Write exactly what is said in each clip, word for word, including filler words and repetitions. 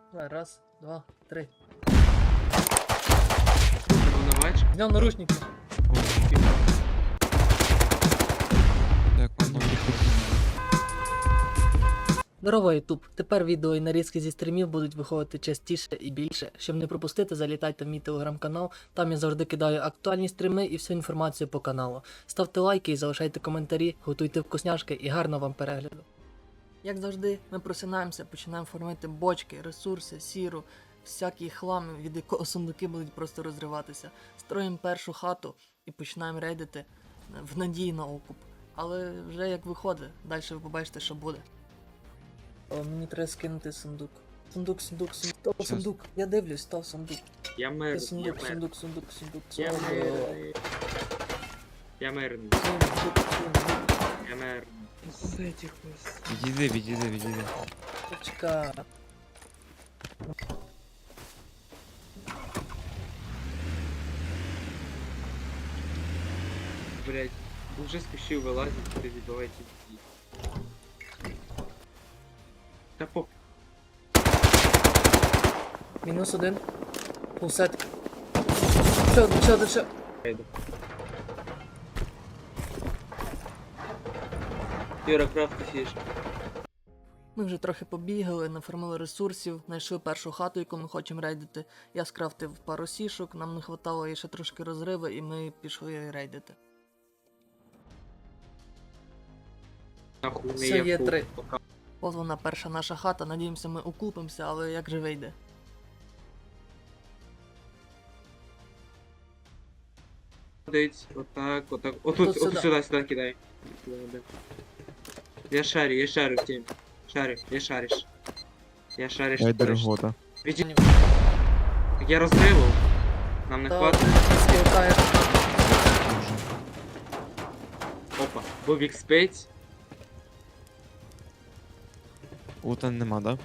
Давай, раз, два, три. Волновач. Зняв наручники. Так, воно Здорово, Ютуб! Тепер відео і нарізки зі стрімів будуть виходити частіше і більше. Щоб не пропустити, залітайте в мій телеграм-канал, там я завжди кидаю актуальні стріми і всю інформацію по каналу. Ставте лайки і залишайте коментарі, готуйте вкусняшки і гарного вам перегляду. Як завжди, ми просинаємося, починаємо формувати бочки, ресурси, сіру, всякий хлам, від якого сундуки будуть просто розриватися. Строїмо першу хату і починаємо рейдити в надії на окуп. Але вже як виходить, далі ви побачите, що буде. О, мені треба скинути сундук. Сундук, сундук, сундук. Став Щас. сундук. Я дивлюсь, став сундук. Я Ти мир, я сундук, мир. сундук, сундук, сундук. Я Сундук, мирний. Я мирний. сундук, сундук. Я мирний. З этих ось. Відійди, відійди, відійди. Чекай. Блять, уже спішив вилазити, перебивайте дітей. Та поп. Мінус один. Пулсет. Ще один, ще один, ще. Хайде. Юра, крафти фіш. Ми вже трохи побігали, нафармили ресурсів, знайшли першу хату, яку ми хочемо рейдити. Я скрафтив пару сішок, нам не хватало і ще трошки розриви, і ми пішли рейдити. Нахуй не Все, є є фул. три. Пока. От вона перша наша хата, надіємося ми окупимося, але як же вийде? Ходить, отак, отак. Отут, Тут отут сюди. сюди, сюди кидай. Сюди, да. Я шарю, я шарю в темі. Шарю, я шариш. Я шариш. Дай шариш. дорогота. Віді- Я розривав. Нам не Та хватить. скілкає. Опа. Був ікс п'ять. Ута нема, да?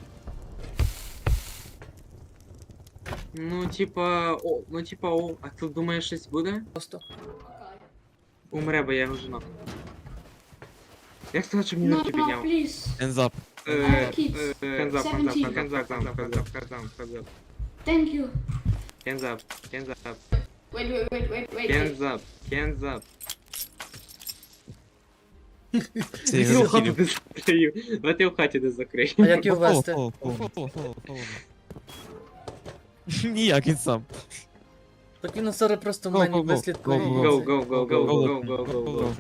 Ну, типа, о, ну типа, о, а ти думаєш, щось буде? Просто. Умре, бо я його жена. Як сказати, щоб мені No, руки no, підняв? please. Hands up. Е, kids. е, Hands up, hands up, Seventeen. hands up, hands up, hands up, hands up, hands up. Thank you. Hands up, hands up, Wait, wait, wait, wait, wait. hands up, hands up. Це Я я в хаті захилів. не закрию. Давайте я в хаті не закрию. А як його Фоло, вести? фоло, фоло, фоло, фоло, фоло. Ніяк, він сам. Так він зараз просто в Go, мені go, go. вислідкує. Go, Go, go, go, go, go, go, go, go, go.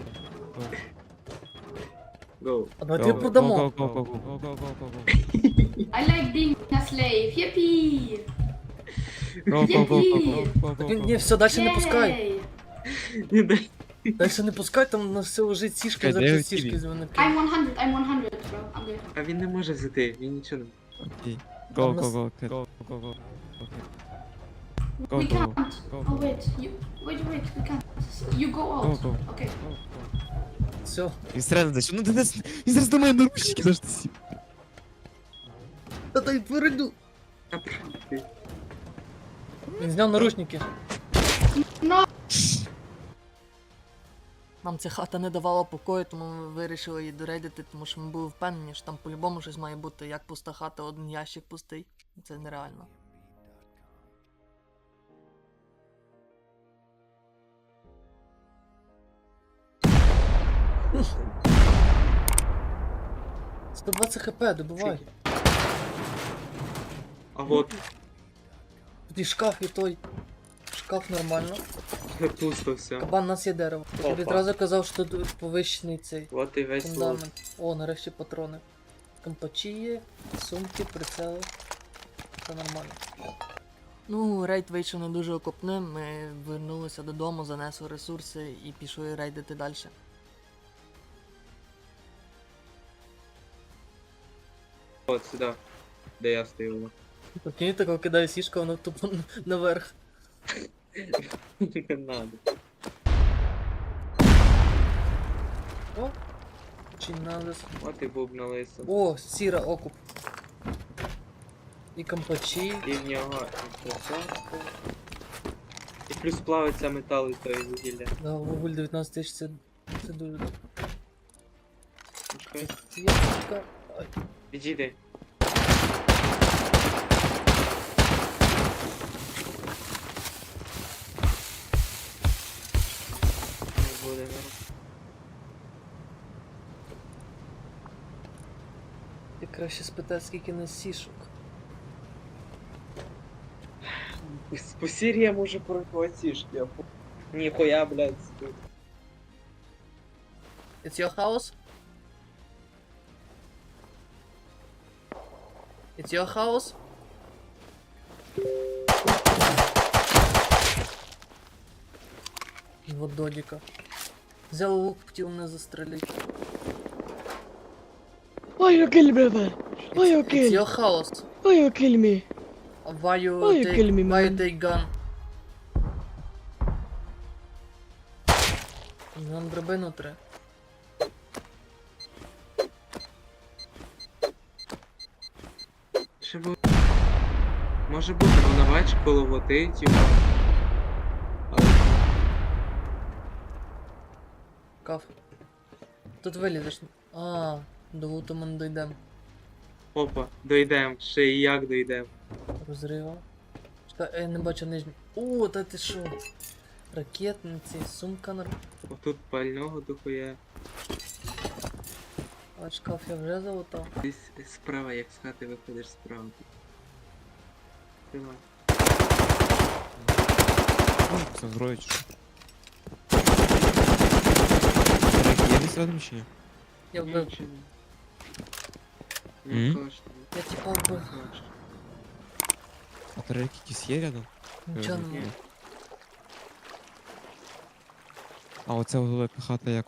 Go. А давайте його продамо. Go, go, go, go, go, go, go, go. I like being a slave. Yippee! Go, go, go, go, go, go, Так він, go, ні, go. все, далі не пускай. Yay! Не дай. Далі не пускай, там на все лежить сішки, Чекай, де зараз його сішки тілі? з мене I'm кинуть. one hundred, I'm one hundred, bro. I'm good. А він не може взяти, він нічого не... Окей. Go, go, go, go, go, go, go. Go, We go, can't. go, Oh, go. wait. You, wait, wait, we can't. You go Go, out. go. Okay. Все. Він стрельне десь. Ну, Денис, він зараз до мене наручники завжди сів. Та дай перейду. А, ти. Він зняв наручники. No! Нам ця хата не давала покою, тому ми вирішили її дорейдити, тому що ми були впевнені, що там по-любому щось має бути, як пуста хата, один ящик пустий. Це нереально. сто двадцять хп, добивай. А вот, Тут і шкаф, і той. Шкаф нормально. пусто все. Кабан, у нас є дерево. Я тобі Опа. одразу казав, що тут повищений цей Вот і весь лот. фундамент. О, нарешті патрони. Компачі є, сумки, прицели. Все нормально. Ну, рейд вийшов не дуже окопним, ми вернулися додому, занесли ресурси і пішли рейдити далі. От сюди, де я стою. Прикинь, такого кидаю сішку, воно тупо наверх. Не надо. О! Чи надо. От і буб на лисо. О, сіра окуп. І компачі. І в нього інфраструкція. І плюс плавиться метал і той вугілля. Да, вуголь дев'ятнадцять тисяч, це, це дуже добре. Чекай. Це я така. Ай. Відійди. Краще спитати, скільки нас сішок. По Сирии може прохватишь, я по... Нихуя, блядь, стоит. It's your house? It's your house? Вот додика. Взял лук, хотел мене застрелити. Why you kill me, man? Why you It's kill? your house. Why you kill me? Why you Why you take, kill me, why you man? take gun? Нам драбину треба. Ще бу... Може бути, вона бачить коло води, типу. Але... Каф. Тут вилізеш. А, до луту ми не дійдемо. Опа, дойдем, ще і як дойдем. Розрива. Чекай, я не бачу нижню. О, та ти що? Ракетниці, сумка на... Отут пального дохуя. А шкаф я вже залутав. Десь справа, як з хати виходиш справа. Давай. Це зброя чи що? Рейки, є десь рядом чи ні? Я вбив. Нічого. М? Не кажеш. Я типа вбив. А то рейки якісь є рядом? Нічого Е, не Ні. А оця велика хата як?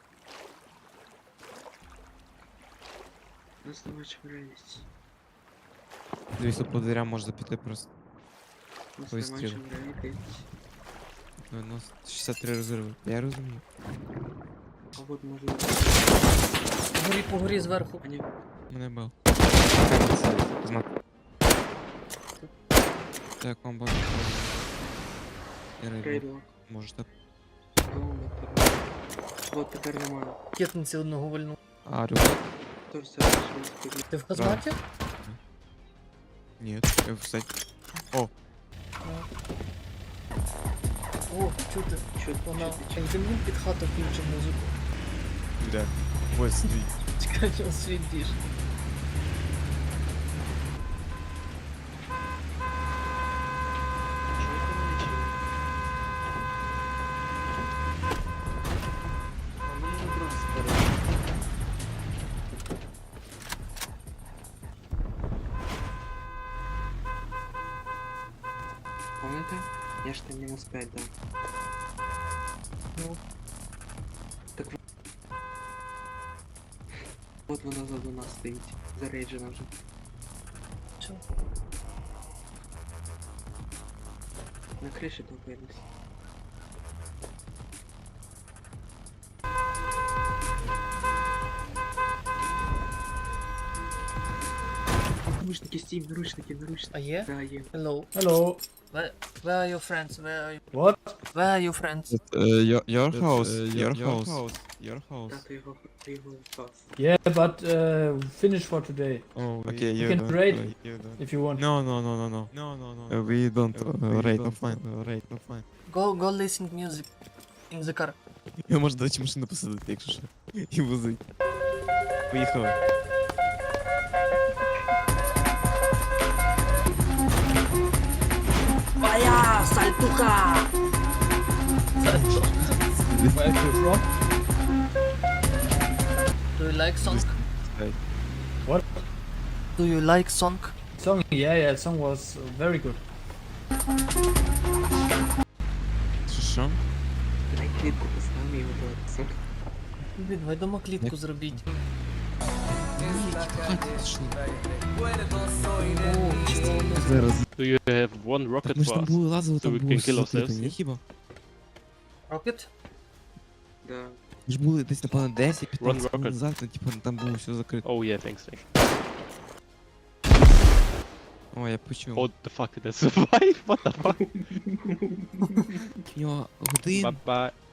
Нас не бачив реальність. Дивись, тут по дверям можна піти просто. Нас не Вистріл. бачив реальність. Ну, у нас шістдесят три розриви. Я розумію. А от може... Горі по горі зверху. А ні, Мене бив. Знак. Так, вам бачу. Я рейду. рейдок. Може так. Дома, тебе. От тепер немає. Ракетниці одного вольну. А, рюкзак? Тож все вийшло. Ти в казнаті? Ні, я в сеті. О, О, чути. Чуть, Вона чуть, як землі під хату включив музику. де? Ось сидить. Чекай, що світиш. Помните? Я ж там мінус п'ять дав. Ну, Так в- от вона за нас стоїть. Зарейджена вже. що? На криші топились. Наручники, Стів, наручники, наручники. А є? Да, є. Hello. Hello. Where, where are your friends? Where are you? What? Where are your friends? Your, your That's, house, uh, your your house, house. your house. Та, ти його, ти його спас. Yeah, but uh, finish for today Oh, we- okay, we you can don't. trade. uh, you don't. if you want. No, no, no, no, no. No, no, no. Uh, we don't Uh, uh, we rate don't, offline. uh, Rate offline. Go, go listen music. In the car. Я можу до речі машину посадити, якщо що. І возить. Поїхали. Твоя сальтуха! Where are you from? Do you like song? Hey. What? Do you like song? Song? Yeah, yeah. Song was uh, very good. Що що? Дай клітку поставимо його до Блін, давай дома клітку зробіть. Зараз. Do you have one rocket Ми ж for там us? були лазили, So там we було can kill все ourselves, ні yeah? хіба? Rocket? Да. Ми ж були десь, напевно, десять п'ятнадцять rocket. хвилин назад, там, типу, там було все закрито. Oh yeah, thanks. thanks. О, я почув. Oh, the fuck did I survive? What the fuck? У нього годин Bye bye.